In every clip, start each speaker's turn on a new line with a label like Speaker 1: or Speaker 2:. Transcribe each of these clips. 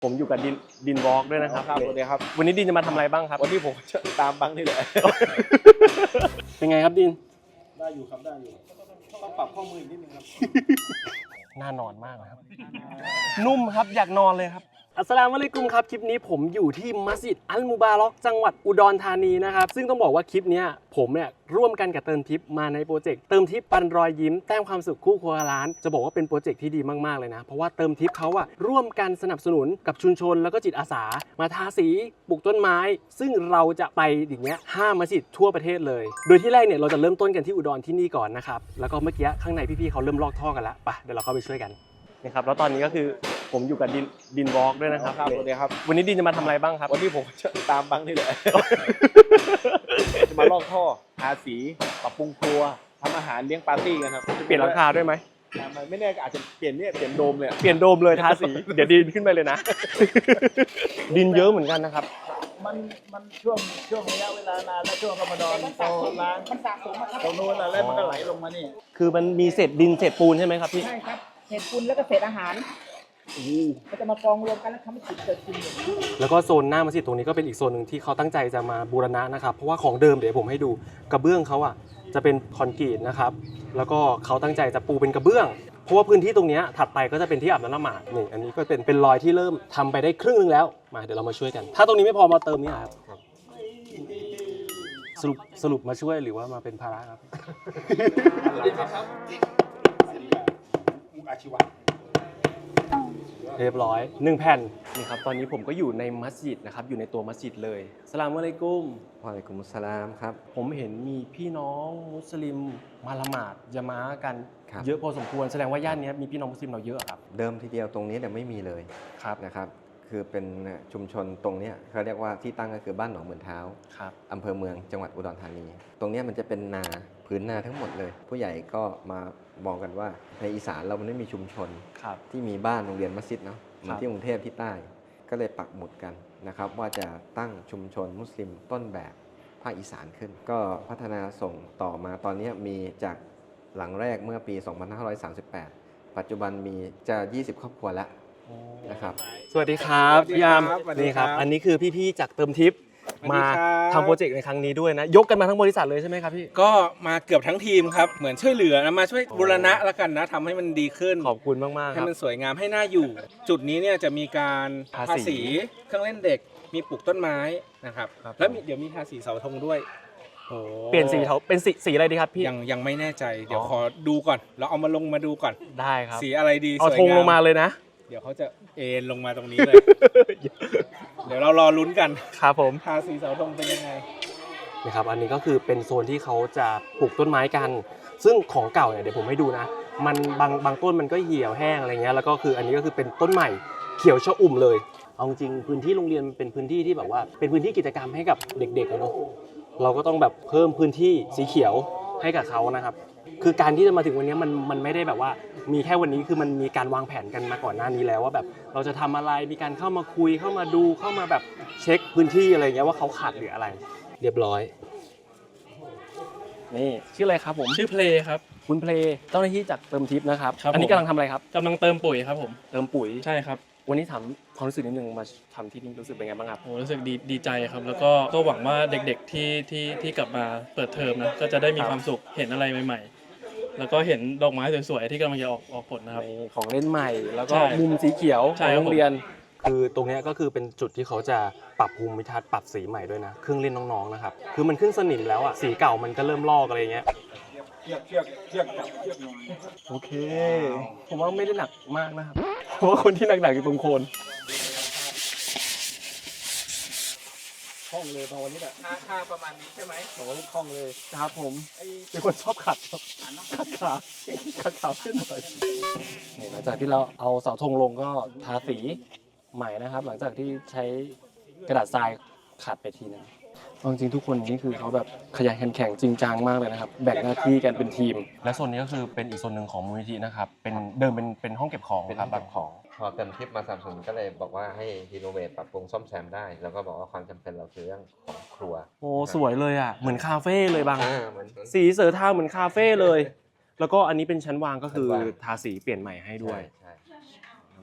Speaker 1: ผมอยู่กับดินวอล์กด้วยนะครับ
Speaker 2: สวัสดีครับ
Speaker 1: วันนี้ดินจะมาทำอะไรบ้างครับ
Speaker 2: วันนี้ผมจะตามบังนี่แหละ
Speaker 1: เป็นไงครับดิน
Speaker 2: ได้อยู่ครับได้อยู่ต้องปรับข้อมืออีกนิดนึงครับ
Speaker 1: น่านอนมากครับนุ่มครับอยากนอนเลยครับอัสสลามุอะลัยกุมครับคลิปนี้ผมอยู่ที่มัสยิดอัลมุบาร็อกจังหวัดอุดรธานีนะครับซึ่งต้องบอกว่าคลิปนี้ผมเนี่ยร่วมกันกับเติมทิปมาในโปรเจกต์เติมทิปปันรอยยิ้มแต้มความสุขคู่ครัวร้านจะบอกว่าเป็นโปรเจกต์ที่ดีมากๆเลยนะเพราะว่าเติมทิปเขาอะร่วมกันสนับสนุนกับชุมชนแล้วก็จิตอาสามาทาสีปลูกต้นไม้ซึ่งเราจะไปอย่างเงี้ย5มัสยิดทั่วประเทศเลยโดยที่แรกเนี่ยเราจะเริ่มต้นกันที่อุดรที่นี่ก่อนนะครับแล้วก็เมื่อกี้ข้างในพี่ๆเขาเริ่มลอกท่อกันแล้วไปเดี๋ยวเราเข้าไปช่วยกันนะครับแล้วตอนนี้ก็คือผมอยู่กับดินวอล์กด้วยนะครับ
Speaker 2: สวัสดีครับ
Speaker 1: วันนี้ดินจะมาทำอะไรบ้างครับ
Speaker 2: วันนี้ผมจะตามบังนี่แหละ จะมาลอกท่อทาสีปรับปรุงครัวทำอาหารเลี้ยงปาร์ตี้กันครับ
Speaker 1: เปลี่ยนหลังคาด้วยไหม
Speaker 2: ไม่แน่อาจจะเปลี่ยนโดมเลย
Speaker 1: เปลี่ยนโดมเลยทาสีเดี๋ยวดินขึ้นไปเลยนะ ดินเยอะเหมือนกันนะครับ
Speaker 2: มันช่วงระยะเวลานานแล้วช่วงรอมฎอนโตร้านมันสะสมตรงนู้นแล้วมันก็ไหลลงมานี่
Speaker 1: คือมันมีเศษดินเศษปูนใช่ไหมครับพี่
Speaker 3: ใช่ครับเศษปูนแล้วก็เศษอาหารก็จะมากองรวมกันแล้วทำให้จุดเกิดขึ้น
Speaker 1: แล้วก็โซนหน้ามัสยิดตรงนี้ก็เป็นอีกโซนหนึ่งที่เขาตั้งใจจะมาบูรณะนะครับเพราะว่าของเดิมเดี๋ยวผมให้ดูกระเบื้องเขาอ่ะจะเป็นคอนกรีตนะครับแล้วก็เขาตั้งใจจะปูเป็นกระเบื้องเพราะว่าพื้นที่ตรงนี้ถัดไปก็จะเป็นที่อาบน้ำละหมาดนี่อันนี้ก็เป็นรอยที่เริ่มทำไปได้ครึ่งนึงแล้วมาเดี๋ยวเรามาช่วยกันถ้าตรงนี้ไม่พอมาเติมนี่ครับสรุปมาช่วยหรือว่ามาเป็นภาระครับ
Speaker 2: อาชีวะ
Speaker 1: เรียบร้อย1แผ่นนี่ครับตอนนี้ผมก็อยู่ในมัสยิดนะครับอยู่ในตัวมัสยิดเลยอัสสลามุอะลัยกุม
Speaker 4: วะอะลัยกุมุสสลามครับ
Speaker 1: ผมเห็นมีพี่น้องมุสลิมมาละหมาดยะมาอะห์กันเยอะพอสมควรแสดงว่าย่านนี้มีพี่น้องมุสลิมเราเยอะครับ
Speaker 4: เดิมทีเดียวตรงนี้เนี่ยไม่มีเลย
Speaker 1: ครับ
Speaker 4: นะครับคือเป็นชุมชนตรงนี้เขาเรียกว่าที่ตั้งก็คือบ้านหนองเหมือนเท้าอำเภอเมืองจังหวัดอุดรธานีตรงนี้มันจะเป็นนาพื้นนาทั้งหมดเลยผู้ใหญ่ก็มามองกันว่าในอีสานเรามันไม่มีชุมชนที่มีบ้านโรงเรียนมัสยิดเนาะเหมือนที่กรุงเทพที่ใต้ก็เลยปักหมุดกันนะครับว่าจะตั้งชุมชนมุสลิมต้นแบบภาคอีสานขึ้นก็พัฒนาส่งต่อมาตอนนี้มีจากหลังแรกเมื่อปี 2538 ปัจจุบันมีจะ 20 ครอบครัวแล้วนะครับ
Speaker 1: สวัสดีครับพี่ยามนี่ครับอันนี้คือพี่ๆจากเติมทิปมาทำโปรเจกต์ในครั้งนี้ด้วยนะยกกันมาทั้งบริษัทเลยใช่ไหมครับพี่
Speaker 5: ก็มาเกือบทั้งทีมครับเหมือนช่วยเหลือนะมาช่วยบูรณะแล้วกันนะทำให้มันดีขึ้น
Speaker 1: ขอบคุณมากๆ
Speaker 5: ให้มันสวยงามให้น่าอยู่จุดนี้เนี่ยจะมีการทาสีเครื่องเล่นเด็กมีปลูกต้นไม้นะครับแล้วเดี๋ยวมีทาสีเสาธงด้วย
Speaker 1: เปลี่ยนสีเขาเป็นสีอะไรดีครับพี่
Speaker 5: ยังไม่แน่ใจเดี๋ยวขอดูก่อนเราเอามาลงมาดูก่อน
Speaker 1: ได้ครับ
Speaker 5: สีอะไรดี
Speaker 1: เอาธงลงมาเลยนะ
Speaker 5: เดี๋ยวเขาจะเอ็นลงมาตรงนี้เลย เดี๋ยวเรารอลุ้นกัน
Speaker 1: ครับผม
Speaker 5: ทาสีเสาธงเป็นยังไง
Speaker 1: นะครับอันนี้ก็คือเป็นโซนที่เขาจะปลูกต้นไม้กันซึ่งของเก่าเนี่ยเดี๋ยวผมให้ดูนะมันบางต้นมันก็เหี่ยวแห้งอะไรเงี้ยแล้วก็คืออันนี้ก็คือเป็นต้นใหม่เขียวชอุ่มเลยเอาจริงพื้นที่โรงเรียนเป็นพื้นที่ที่แบบว่าเป็นพื้นที่กิจกรรมให้กับเด็กๆเนาะเราก็ต้องแบบเพิ่มพื้นที่สีเขียวให้กับเขานะครับคือการที่จะมาถึงวันนี้มันไม่ได้แบบว่ามีแค่วันนี้คือมันมีการวางแผนกันมาก่อนหน้านี้แล้วว่าแบบเราจะทำอะไรมีการเข้ามาคุยเข้ามาดูเข้ามาแบบเช็คพื้นที่อะไรเงี้ยว่าเขาขาดหรืออะไรเรียบร้อยนี่ชื่ออะไรครับผม
Speaker 6: ชื่อเพลครับ
Speaker 1: คุณเพลเจ้าหน้าที่จากเติมทิปนะครับอันนี้กำลังทำอะไรครับ
Speaker 6: กำลังเติมปุ๋ยครับผม
Speaker 1: เติมปุ๋ย
Speaker 6: ใช่ครับ
Speaker 1: วันนี้ถามความรู้สึกนิดนึงมาทำที่นี่รู้สึกเป็นไงบ้างครับ
Speaker 6: โอ้รู้สึกดีใจครับแล้วก็หวังว่าเด็กๆที่กลับมาเปิดเทอมนะก็จะได้มีความสุขเห็นอะไรใหม่ๆแล้วก็เห็นดอกไม้สวยๆที่กำลังจะออกผลนะครับ
Speaker 1: ของเล่นใหม่แล้วก็มุมสีเขียวของโรงเรียนคือตรงนี้ก็คือเป็นจุดที่เขาจะปรับภูมิทัศน์ปรับสีใหม่ด้วยนะเครื่องเล่นน้องๆนะครับคือมันขึ้นสนิมแล้วอ่ะสีเก่ามันก็เริ่มลอกอะไรเงี้ย
Speaker 2: เชือก
Speaker 1: โอเคผมว่าไม่ได้หนักมากนะครับเพราะว่าคนที่หนักๆอยู่ตรงโคน
Speaker 2: คล่องเลยตอนวันนี้แหละ
Speaker 5: ท่าประมาณนี้ใช่ไหม
Speaker 2: โอ้คล่องเลย
Speaker 1: ครับผมเป็นคนชอบขัดขาขึ้นหน่อยหลังจากที่เราเอาเสาธงลงก็ทาสีใหม่นะครับหลังจากที่ใช้กระดาษทรายขัดไปทีนึงจริงๆทุกคนนี่คือเขาแบบขยันขันแข็งจริงจังมากเลยนะครับแบ่งหน้าที่กันเป็นทีมและโซนนี้ก็คือเป็นอีกโซนหนึ่งของมูลนิธินะครับเป็นเดิมเป็นห้องเก็บของ
Speaker 4: ครับแบบของพอเติมทิปมาสนับสนุนก็เลยบอกว่าให้รีโนเวทปรับปรุงซ่อมแซมได้แล้วก็บอกว่าความจำเป็นเราคือเรื่องของครัว
Speaker 1: โอ้สวยเลยอ่ะเหมือนคาเฟ่เลยบางสีเสือทาเหมือนคาเฟ่เลยแล้วก็อันนี้เป็นชั้นวางก็คือทาสีเปลี่ยนใหม่ให้ด้วย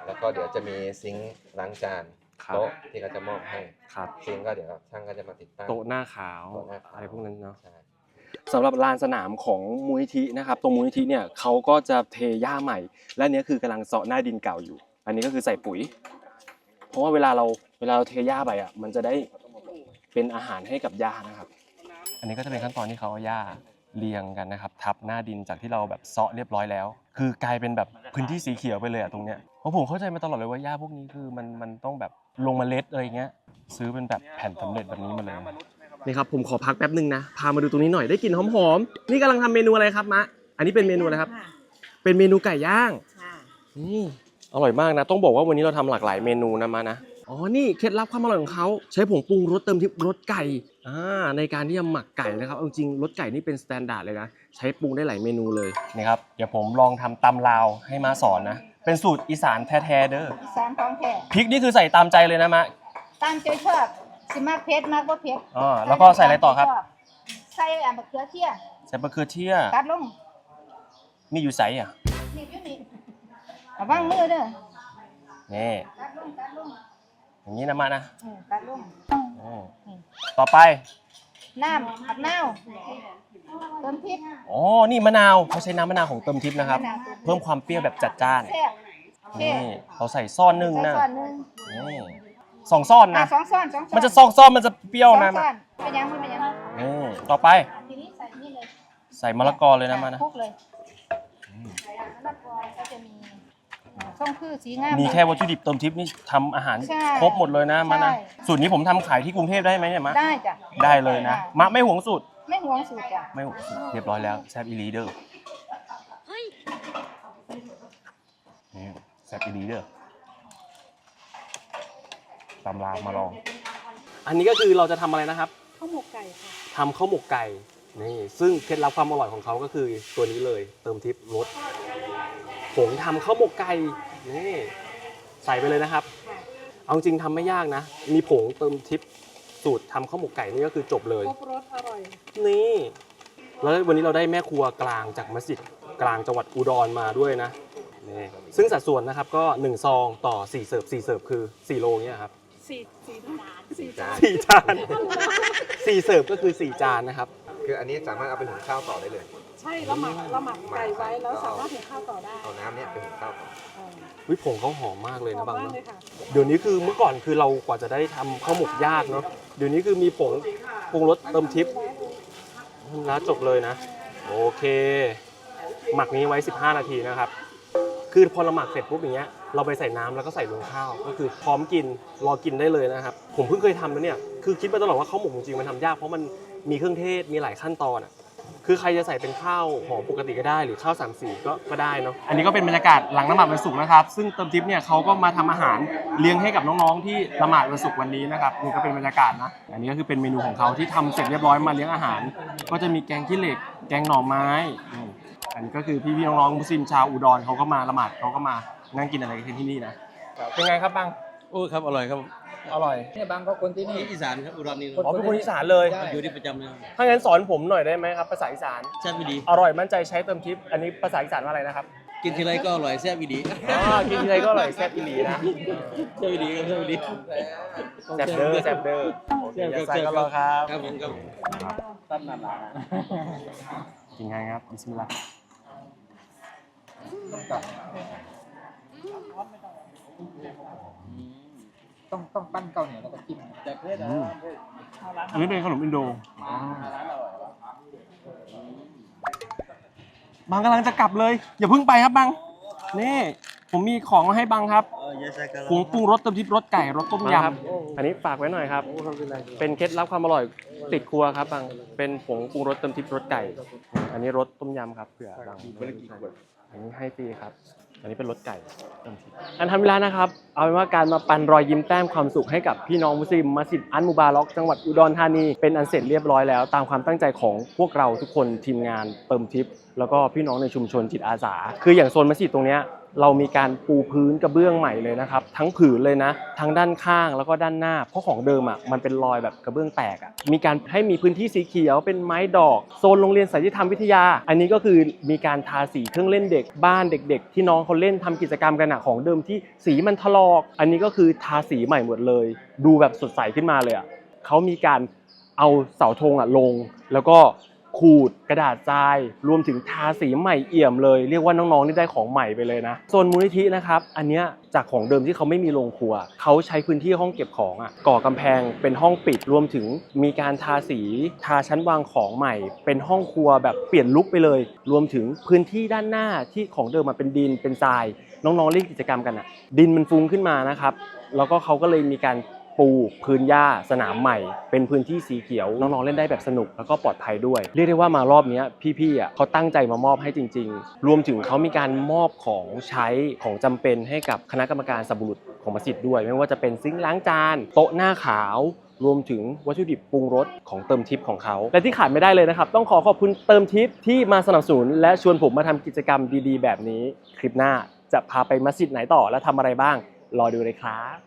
Speaker 4: แล้วก็เดี๋ยวจะมีซิงค์ล้างจาน
Speaker 1: ครับ
Speaker 4: โต๊ะที่เขาจะมอบให้
Speaker 1: ครับ
Speaker 4: ซิงค์ก็เดี๋ยวช่างก็จะมาติดตั้ง
Speaker 1: โต๊ะหน้าขาว
Speaker 4: โต๊ะหน้าขาว
Speaker 1: อะไรพวกนั้นเนาะ
Speaker 4: ใช่
Speaker 1: สำหรับลานสนามของมูลนิธินะครับตรงมูลนิธิเนี่ยเขาก็จะเทหญ้าใหม่ และอันเนี้ยคือกำลังเสาะหน้าดินเก่าอยู่ อันนี้ก็คือใส่ปุ๋ย เพราะว่าเวลาเราเทหญ้าไปอ่ะมันจะได้เป็นอาหารให้กับหญ้านะครับ อันนี้ก็จะเป็นขั้นตอนที่เขาเอาหญ้าเรียงกันนะครับทับหน้าดินจากที่เราแบบเซาะเรียบร้อยแล้ว คือกลายเป็นแบบพื้นที่สีเขียวไปเลยอ่ะตรงเนี้ยเพราะผมเข้าใจมาตลอดเลยว่าหญ้าพวกนี้คือมันต้องแบบลงเมล็ดอะไรเงี้ยซื้อเป็นแบบแผ่นสำเร็จแบบนี้มาเลย นี่ครับผมขอพักแป๊บนึงนะพามาดูตรงนี้หน่อยได้กลิ่นหอมๆนี่กำลังทำเมนูอะไรครับมะอันนี้เป็นเมนูอะไรครับ เป็นเมนูไก่ย่างนี่อร่อยมากนะต้องบอกว่าวันนี้เราทำหลากหลายเมนูนะมานะอ๋อนี่เคล็ดลับความอร่อยของเขาใช้ผงปรุงรสเติมที่รสไก่ในการที่จะหมักไก่นะครับเอาจริงรสไก่นี่เป็นสแตนดาร์ดเลยนะใช้ปรุงได้หลายเมนูเลยนี่ครับเดี๋ยวผมลองทำตำลาวให้มาสอนนะเป็นสูตรอีสานแท้ๆเด้อ
Speaker 7: อีสานของแท้
Speaker 1: พริกนี่คือใส่ตามใจเลยนะมะ
Speaker 7: ตามใจชอบสิมากเผ็ดมากบ่เผ็ด
Speaker 1: แล้วก็ใส่อะไรต่อครับ
Speaker 7: ใส่มะเขือเทศ
Speaker 1: ใส่มะเขือเทศ
Speaker 7: ตัดลง
Speaker 1: มีอยู่ไสอ่ะ
Speaker 7: นี่อยู่นี่ระวังมือเด้อ
Speaker 1: นี่
Speaker 7: ตัดลง
Speaker 1: อย่างนี้นะมานะ
Speaker 7: ตัดลง
Speaker 1: ต่อไป
Speaker 7: น้ำผัดนาวเติมพริก
Speaker 1: อ๋อ นี่มะนาวเขาใช้น้ำมะนาวของเติมทิพย์นะครับ เพิ่มความเปรี้ยวแบบจัดจ้าน
Speaker 7: แซ่บโอเค
Speaker 1: นี่เราใส่ซ่อนหนึ่ง
Speaker 7: ใส่
Speaker 1: นะ
Speaker 7: ช้อนหนึง
Speaker 1: นี่สองซ่อนนะ
Speaker 7: สองช้อนสองช้อน
Speaker 1: มันจะซองซ่อนมันจะเปรี้ยว
Speaker 7: สอง
Speaker 1: นะ
Speaker 7: ช้อนเป็นยังเป็นยัง
Speaker 1: นี่ต่อไป
Speaker 7: ทีนี้ใส่นี่เลย
Speaker 1: ใส่มะละกอเลยนะมานะ
Speaker 7: คลุกเลยมะละกอก็จะมีส้มคือสีงาม
Speaker 1: มีแค่วัตถุดิบเติมทิพย์นี่ทำอาหาร
Speaker 7: ใช่
Speaker 1: ครบหมดเลยนะมานะ
Speaker 7: ใช่
Speaker 1: สูตรนี้ผมทำขายที่กรุงเทพได้ไหมเนี่ยมะ
Speaker 7: ได้จ้ะ
Speaker 1: ได้เลยนะมะไม่หวงสูตร
Speaker 7: ไม่หวงสูตรจ้ะ
Speaker 1: ไม่หวงสูตรเรียบร้อยแล้วแซ่บอีหลีเดอร์นี่แซ่บอีหลีเดอร์ตำรามาลอง อันนี้ก็คือเราจะทำอะไรนะครับ
Speaker 7: ข้าวหมกไก่ค่ะ
Speaker 1: ทำข้าวหมกไก่นี่ซึ่งเคล็ดลับความอร่อยของเขาก็คือตัวนี้เลยเติมทิพย์รสผงทำข้าวหมกไก่นี่ใส่ไปเลยนะครับ เอาจริงทำไม่ยากนะ มีผงเติมทิพย์สูตรทำข้าวหมกไก่นี่ก็คือจบเลย
Speaker 7: ครบรสอร่อย
Speaker 1: นี่แล้ววันนี้เราได้แม่ครัวกลางจากมัสยิดกลางจังหวัดอุดรมาด้วยนะนี่ซึ่งสัดส่วนนะครับก็1ซองต่อ4เสิร์ฟ4เสิร์ฟคือ4โลเนี่ยครับ
Speaker 7: 4 จาน
Speaker 1: 4 จาน4เสิร์ฟก็คือ4จานนะครับ
Speaker 4: คืออันนี้สามารถเอาไปหุงข้าวต่อได้เลย
Speaker 8: ใช่เราหมักไก่ไว้แล้วสามารถหุงข้าวต่อได้
Speaker 4: เอาน้ำเนี่ยไปหุงข้าวต่อ
Speaker 1: วิผงเขาหอมมากเลย
Speaker 8: หอ
Speaker 1: นะ
Speaker 8: ม
Speaker 1: บาง
Speaker 8: มาก
Speaker 1: เนาะ
Speaker 8: เลยค่ะ
Speaker 1: เดี๋ยวนี้คือเมื่อก่อนคือเรากว่าจะได้ทำข้าวหมกยากเนาะเดี๋ยวนี้คือมีผงปรุงรสเติมทิพย์แล้วจบเลยนะโอเค หมักนี้ไว้ 15 นาทีนะครับคือพอเราหมักเสร็จปุ๊บอย่างเงี้ยเราไปใส่น้ำแล้วก็ใส่ลงข้าวก็คือพร้อมกินรอกินได้เลยนะครับผมเพิ่งเคยทำนะเนี่ยคือคิดมาตลอดว่าข้าวหมกจริงๆมันทำยากเพราะมันมีเครื่องเทศมีหลายขั้นตอนอ่ะคือใครจะใส่เป็นข้าวหอมปกติก็ได้หรือข้าวสามสีก็ได้เนาะอันนี้ก็เป็นบรรยากาศหลังละหมาดวันศุกร์นะครับซึ่งเติมทิพย์เนี่ยเขาก็มาทำอาหารเลี้ยงให้กับน้องๆที่ละหมาดวันศุกร์วันนี้นะครับนี่ก็เป็นบรรยากาศนะอันนี้ก็คือเป็นเมนูของเขาที่ทำเสร็จเรียบร้อยมาเลี้ยงอาหาร ก็จะมีแกงขี้เหล็กแกงหน่อไม้อันนี้ก็คือพี่ๆน้องๆมุสลิมชาวอุดรเขาก็มาละหมาดเขาก็มานั่งกินอะไรกันที่นี่นะเป็นไงครับบัง
Speaker 2: โอ้ครับอร่อยครับ
Speaker 1: อร่อย
Speaker 3: เนี่ยบางก็คนที่นี่
Speaker 2: อีสานครับอุดรนี่
Speaker 1: อ๋อเป็นคนอีสานเลย
Speaker 2: อยู่ที่ประจำเลย
Speaker 1: ถ้างั้นสอนผมหน่อยได้ไหมครับภาษาอีสาน
Speaker 2: แซ่บดี
Speaker 1: อร่อยมั่นใจใช้เติมทิปอันนี้ภาษาอีสานว่าอะไรนะครับ
Speaker 2: กินทีไรก็อร่อยแซ่บดี
Speaker 1: อ๋อกินทีไรก็อร่อยแซ่บอีหลีนะ
Speaker 2: แซ่บดีครับแซ่บดี
Speaker 1: แซ่บเด้อแซ่บเด้อโอเคอย่าใส่ก็รอครับ
Speaker 2: ครับผมครับ
Speaker 3: ตั้นนาน
Speaker 1: กินไงครับบิสมิลลาห์
Speaker 3: ต้องปั้นเกาเหนียวแล้วก็จิ้ม
Speaker 1: อันนี้เป็นขนมอินโดบังกำลังจะกลับเลยอย่าเพิ่งไปครับบังนี่ผมมีของมาให้บังครับผงปรุงรสเติมทิพย์รสไก่รสต้มยำอันนี้ฝากไว้หน่อยครับเป็นเคล็ดลับความอร่อยติดครัวครับบังเป็นผงปรุงรสเติมทิพย์รสไก่ อันนี้รสต้มยำครับเผื่อบังอันนี้ให้ฟรีครับอันนี้เป็นรสไก่เติมทิพย์อันทำเวลานะครับเอาเป็นว่าการมาปันรอยยิ้มแต้มความสุขให้กับพี่น้องมุสลิมมัสยิดอันมุบาร็อกจังหวัดอุดรธานีเป็นอันเสร็จเรียบร้อยแล้วตามความตั้งใจของพวกเราทุกคนทีมงานเติมทิพย์แล้วก็พี่น้องในชุมชนจิตอาสาคืออย่างโซนมัสยิดตรงเนี้ยเรามีการปูพื้นกระเบื้องใหม่เลยนะครับทั้งผืนเลยนะทั้งด้านข้างแล้วก็ด้านหน้าเพราะของเดิมอ่ะมันเป็นรอยแบบกระเบื้องแตกอ่ะมีการให้มีพื้นที่สีเขียวเป็นไม้ดอกโซนโรงเรียนสัญญธรรมวิทยาอันนี้ก็คือมีการทาสีเครื่องเล่นเด็กบ้านเด็กๆที่น้องเขาเล่นทำกิจกรรมกันอ่ะของเดิมที่สีมันถลอกอันนี้ก็คือทาสีใหม่หมดเลยดูแบบสดใสขึ้นมาเลยอ่ะเขามีการเอาเสาธงอ่ะลงแล้วก็ขูดกระดาษทรายรวมถึงทาสีใหม่เอี่ยมเลยเรียกว่าน้องๆนี่ได้ของใหม่ไปเลยนะโซนมูลนิธินะครับอันเนี้ยจากของเดิมที่เขาไม่มีโรงครัวเขาใช้พื้นที่ห้องเก็บของอ่ะก่อกำแพงเป็นห้องปิดรวมถึงมีการทาสีทาชั้นวางของใหม่เป็นห้องครัวแบบเปลี่ยนลุคไปเลยรวมถึงพื้นที่ด้านหน้าที่ของเดิมมันเป็นดินเป็นทรายน้องๆเล่นกิจกรรมกันอ่ะดินมันฟุ้งขึ้นมานะครับแล้วก็เขาก็เลยมีการปูพื้นหญ้าสนามใหม่เป็นพื้นที่สีเขียวน้องๆเล่นได้แบบสนุกแล้วก็ปลอดภัยด้วยเรียกได้ว่ามารอบนี้พี่ๆอ่ะเขาตั้งใจมามอบให้จริงๆรวมถึงเขามีการมอบของใช้ของจำเป็นให้กับคณะกรรมการสับบุรุษของมัสยิดด้วยไม่ว่าจะเป็นซิงค์ล้างจานโต๊ะหน้าขาวรวมถึงวัตถุดิบปรุงรสของเติมทิปของเขาและที่ขาดไม่ได้เลยนะครับต้องขอบคุณเติมทิปที่มาสนับสนุนและชวนผมมาทำกิจกรรมดีๆแบบนี้คลิปหน้าจะพาไปมัสยิดไหนต่อและทำอะไรบ้างรอดูเลยครับ